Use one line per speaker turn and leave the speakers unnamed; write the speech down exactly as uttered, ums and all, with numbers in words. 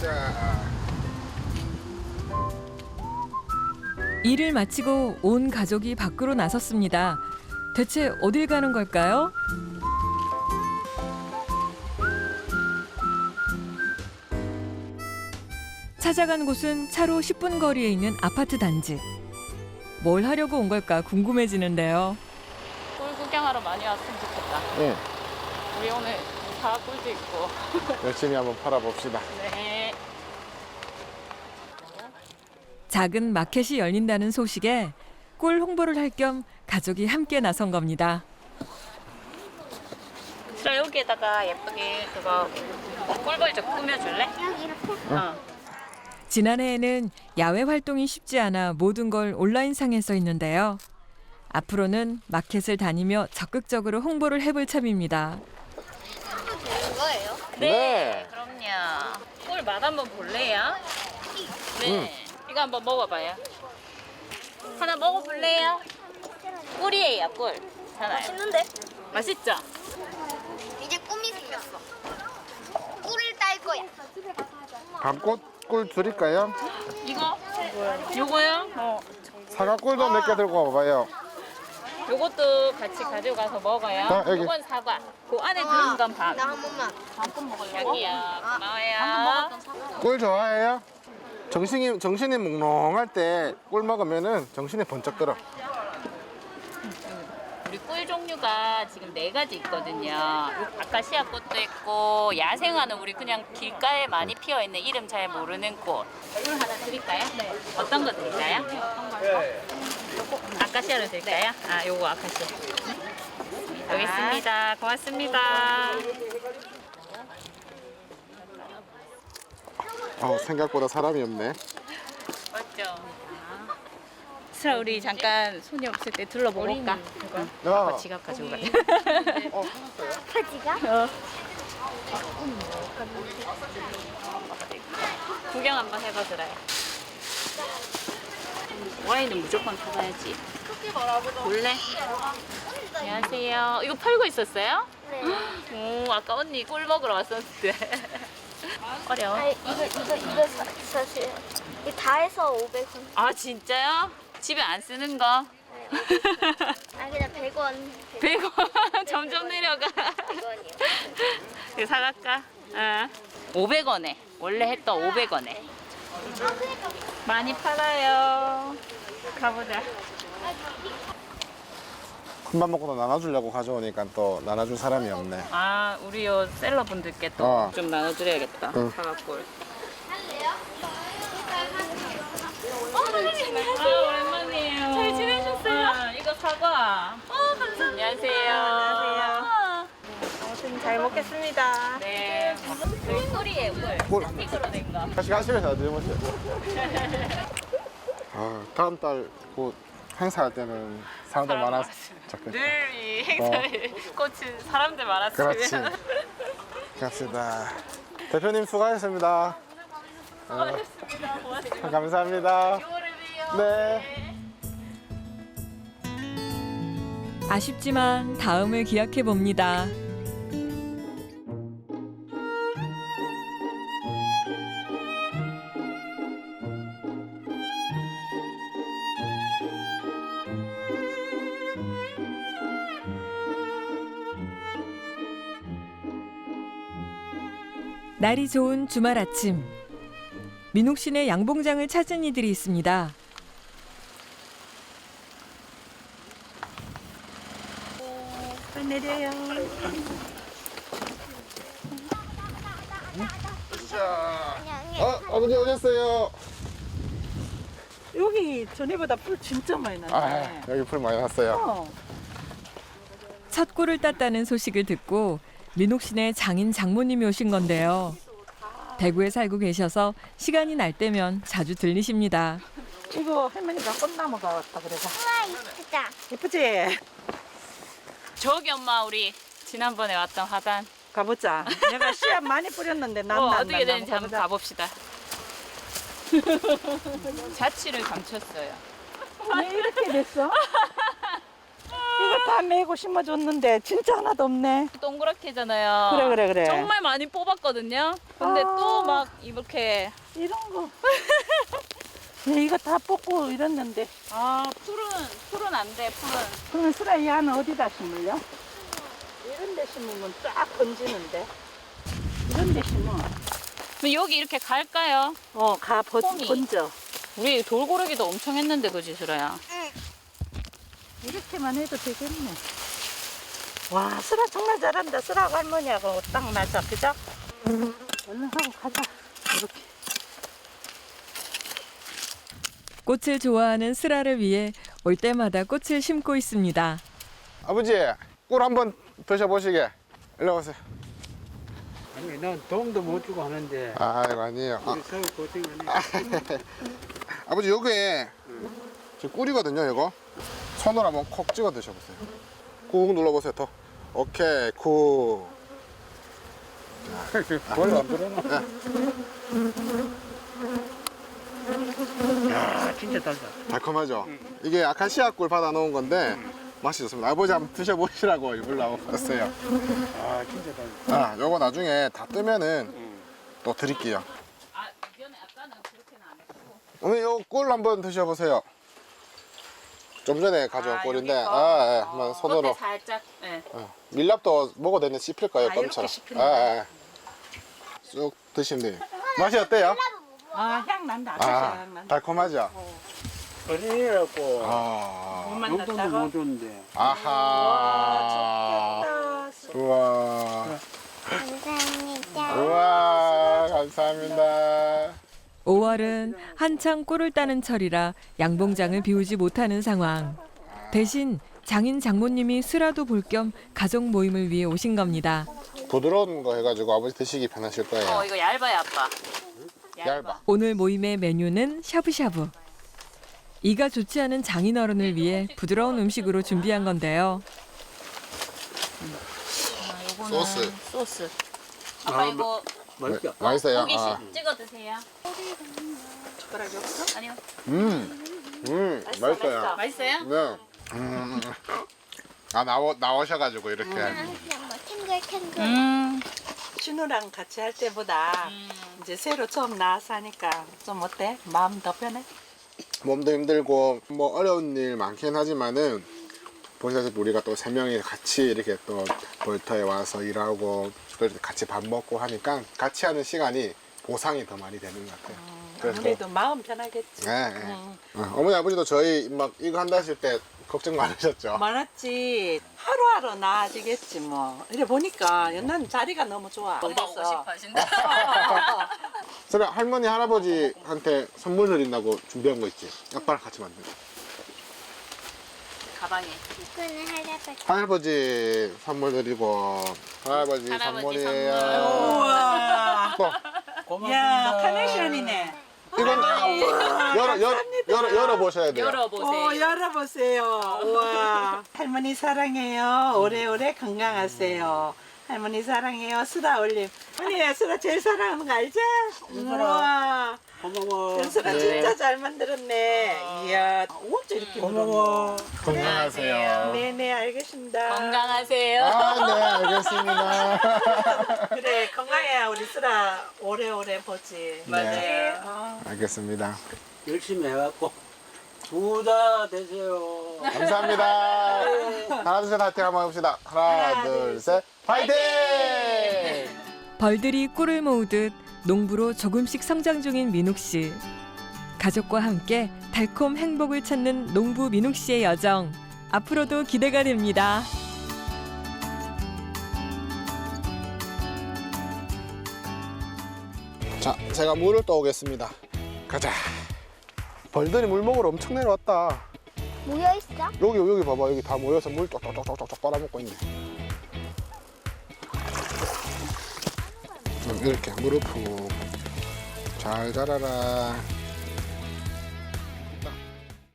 자.
일을 마치고 온 가족이 밖으로 나섰습니다. 대체 어딜 가는 걸까요? 찾아간 곳은 차로 십 분 거리에 있는 아파트 단지. 뭘 하려고 온 걸까 궁금해지는데요.
꿀 구경하러 많이 왔으면 좋겠다.
네.
우리 오늘 사과꿀도 있고.
열심히 한번 팔아봅시다.
네.
작은 마켓이 열린다는 소식에 꿀 홍보를 할 겸 가족이 함께 나선 겁니다.
그럼 여기에다가 예쁘게 그거 꿀벌 좀 꾸며줄래?
여기 이렇게?
어.
지난해에는 야외 활동이 쉽지 않아 모든 걸 온라인상에 써 있는데요. 앞으로는 마켓을 다니며 적극적으로 홍보를 해볼 참입니다.
되는 거예요?
네,
네.
그럼요. 꿀 맛 한번 볼래요? 네. 이거 한번 먹어봐요. 하나 먹어볼래요? 꿀이에요, 꿀. 하나요.
맛있는데?
맛있죠?
이제 꿈이 생겼어. 꿀을 딸 거야.
밤꽃 꿀 드릴까요?
이거? 요거요? 어.
사과 꿀도 몇 개 들고 와봐요.
요것도 같이 가져가서 먹어요.
자, 여기.
요건 사과. 그 안에 들은 건 밥.
나 한 번만.
여기요. 고마워요.
꿀 좋아해요? 정신이 정신이 몽롱할 때 꿀 먹으면은 정신이 번쩍 들어.
우리 꿀 종류가 지금 네 가지 있거든요. 아카시아 꽃도 있고 야생화는 우리 그냥 길가에 많이 피어 있는 이름 잘 모르는 꽃. 꿀 하나 드릴까요? 네. 어떤 거 드릴까요? 아카시아로 드릴까요? 아, 요거 아카시아. 여기 있습니다. 고맙습니다.
어, 생각보다 사람이 없네.
맞죠? 슬아 우리 잠깐 손이 없을 때 둘러보고 올까?
야.
아빠 지갑 가지고 가자.
어,
파지가?
구경 한번 해봐 슬아야. 와인은 무조건 사가야지. 볼래? 안녕하세요. 이거 팔고 있었어요?
네.
오, 아까 언니 꿀 먹으러 왔었는데. 어려워.
아 이거 이거 이거 사, 사실 이거 다 해서 오백 원.
아 진짜요? 집에 안 쓰는 거?
아 그냥 백 원.
백 원 점점 내려가.
백 원이요.
이거 사갈까? 어. 오백 원에 원래 했던 오백 원에 많이 팔아요. 가보자.
큰맘 먹고도 나눠주려고 가져오니까 또 나눠줄 사람이 없네.
아 우리 요 셀러분들께 또 좀
어.
나눠드려야겠다.
응.
사과꿀. 아 오랜만이에요. 잘 지내셨어요? 아, 이거 사과. 어 감사합니다. 안녕하세요. 안녕하세요.
아무튼 잘 먹겠습니다.
네. 여기 꿀이에요 꿀.
꿀.
스틱으로 된 거.
다시 가시면서 드셔보세요. 아, 다음 달 곧 행사할 때는 사람들
사람
많아서
많았으면.
좋겠다.
늘 이 행사에 꽃은 사람들 많았으면.
그렇지. 갑시다. 대표님 수고하셨습니다.
수고하셨습니다. 고맙습니다.
감사합니다.
유월에 봬요.
네.
아쉽지만 다음을 기약해 봅니다. 날이 좋은 주말 아침. 민옥 씨네 양봉장을 찾은 이들이 있습니다.
내려요.
어, 아버지 오셨어요.
여기 전에보다 풀 진짜 많이
아,
났네.
여기 풀 많이 났어요.
어.
첫 꿀을 땄다는 소식을 듣고 민옥 씨네 장인 장모님이 오신 건데요. 대구에 살고 계셔서 시간이 날 때면 자주 들리십니다.
이거 할머니가 꽃나무가 왔다 그래서.
우와 이쁘다.
예쁘지?
저기 엄마 우리 지난번에 왔던 화단.
가보자. 내가 씨앗 많이 뿌렸는데 난
어,
난,
어떻게
난,
되는지
난
한번 가봅시다. 자취를 감췄어요.
왜 이렇게 됐어? 이거 다 메고 심어줬는데 진짜 하나도 없네.
동그랗게잖아요.
그래, 그래, 그래.
정말 많이 뽑았거든요. 근데
아.
또 막 이렇게
이런 거. 야, 이거 다 뽑고 이랬는데.
아 풀은 풀은 안 돼. 풀은.
그러면 수라 이 안은 어디다 심을려? 이런 데 심으면 쫙 번지는데. 이런 데 심어.
그럼 여기 이렇게 갈까요?
어, 가 번,
홈이.
번져.
우리 돌고르기도 엄청 했는데 그지 수라야?
이렇게만 해도 되겠네. 와, 수라 정말 잘한다. 수라하고 할머니하고 딱 맞아. 그죠? 얼른 하고 가자. 이렇게.
꽃을 좋아하는 슬아를 위해 올 때마다 꽃을 심고 있습니다.
아버지 꿀 한번 드셔보시게. 일로 오세요.
아니 난 도움도 못 주고 하는데
아이고 아니에요. 아,
우리 서울 고생하네.
아버지 요게 저 꿀이거든요. 이거 손으로 한번 콕 찍어 드셔보세요. 꾹 눌러보세요. 더. 오케이 굿.
별로 안 들어나. 야 진짜 달다.
달콤하죠? 이게 아카시아 꿀 받아 놓은 건데 맛이 좋습니다. 아버지 한번 드셔보시라고 일부러 왔어요.
아 진짜 달다.
아, 요거 나중에 다 뜨면은 또 드릴게요.
아 이전에 아까는 그렇게는 안 했고.
오늘 요 꿀 한번 드셔보세요. 좀 전에 가져온
아,
꿀인데,
여기 거?
아, 예, 한번 손으로.
겉에 살짝. 네.
어, 밀랍도 먹어도 되는데 씹힐 거예요,
아, 이렇게
껌처럼.
씹히는
아, 예. 쑥 드시면 돼요. 맛이 어때요?
아, 향 난다. 아저씨
아,
향 난다.
달콤하죠?
어린이라고
아,
못
용돈도
만났다고?
못 줬는데.
아하.
아,
우와.
감사합니다.
우와, 감사합니다.
오월은 한창 꿀을 따는 철이라 양봉장을 비우지 못하는 상황. 대신 장인 장모님이 슬아도 볼 겸 가족 모임을 위해 오신 겁니다.
부드러운 거 해가지고 아버지 드시기 편하실 거예요.
어 이거 얇아요 아빠.
얇아.
오늘 모임의 메뉴는 샤브샤브. 이가 좋지 않은 장인어른을 위해 부드러운 음식으로 준비한 건데요.
아, 요거는
소스.
소스. 아빠
아,
이거
맛있다.
맛있어요?
고기씩
아.
찍어 드세요.
젓가락이 없어?
아니요.
음, 음, 맛있어요.
맛있어요?
네. 음. 아, 나오, 나오셔가지고 이렇게.
뭐 탱글탱글.
음.
신우랑 같이 할 때보다 이제 새로 처음 나와서 하니까 좀 어때? 마음 더 편해?
몸도 힘들고 뭐 어려운 일 많긴 하지만은 보시다시피 우리가 또 세 명이 같이 이렇게 또 벌터에 와서 일하고 또 이렇게 같이 밥 먹고 하니까 같이 하는 시간이 보상이 더 많이 되는 것 같아요. 그래서
아무래도 마음 편하겠지.
네, 네.
응.
어, 어머니 아버지도 저희 막 이거 한다 하실 때 걱정 많으셨죠?
많았지. 하루하루 나아지겠지 뭐. 이래 보니까 연난 자리가 너무 좋아.
엄마 오고 싶어 하신다.
그래 할머니 할아버지한테 선물 드린다고 준비한 거 있지? 아빠랑 같이 만든 거.
가방에.
이거는 할아버지.
할아버지 선물 드리고 할아버지,
할아버지
선물이에요.
선물.
우와.
또
고맙습니다.
야, 카네이션이네.
이건 열어 열어 열어 열어 보셔야 돼요.
열어보세요.
오, 열어보세요. 우와. 할머니 사랑해요. 오래오래 건강하세요. 할머니 사랑해요. 수다 올림. 언니, 수다 제일 사랑하는 거 알지? 우와.
고마워.
수다 진짜 잘 만들었네. 이야, 어째 이렇게
고마워.
건강하세요.
네네, 알겠습니다.
건강하세요.
아, 네, 알겠습니다.
그래, 건강해야 우리 수다 오래오래 보지.
네.
어.
알겠습니다.
열심히 해갖고 부자 되세요.
감사합니다. 하나, 둘, 셋, 파이팅 한번 해봅시다. 하나, 둘, 셋, 파이팅!
벌들이 꿀을 모으듯 농부로 조금씩 성장 중인 민욱 씨. 가족과 함께 달콤 행복을 찾는 농부 민욱 씨의 여정. 앞으로도 기대가 됩니다.
자, 제가 물을 떠오겠습니다. 가자. 벌들이 물 먹으러 엄청 내려왔다.
모여 있어?
여기, 여기 봐봐. 여기 다 모여서 물 쪽쪽쪽쪽쪽 빨아먹고 있네. 음, 이렇게 물을 푹 잘 자라라.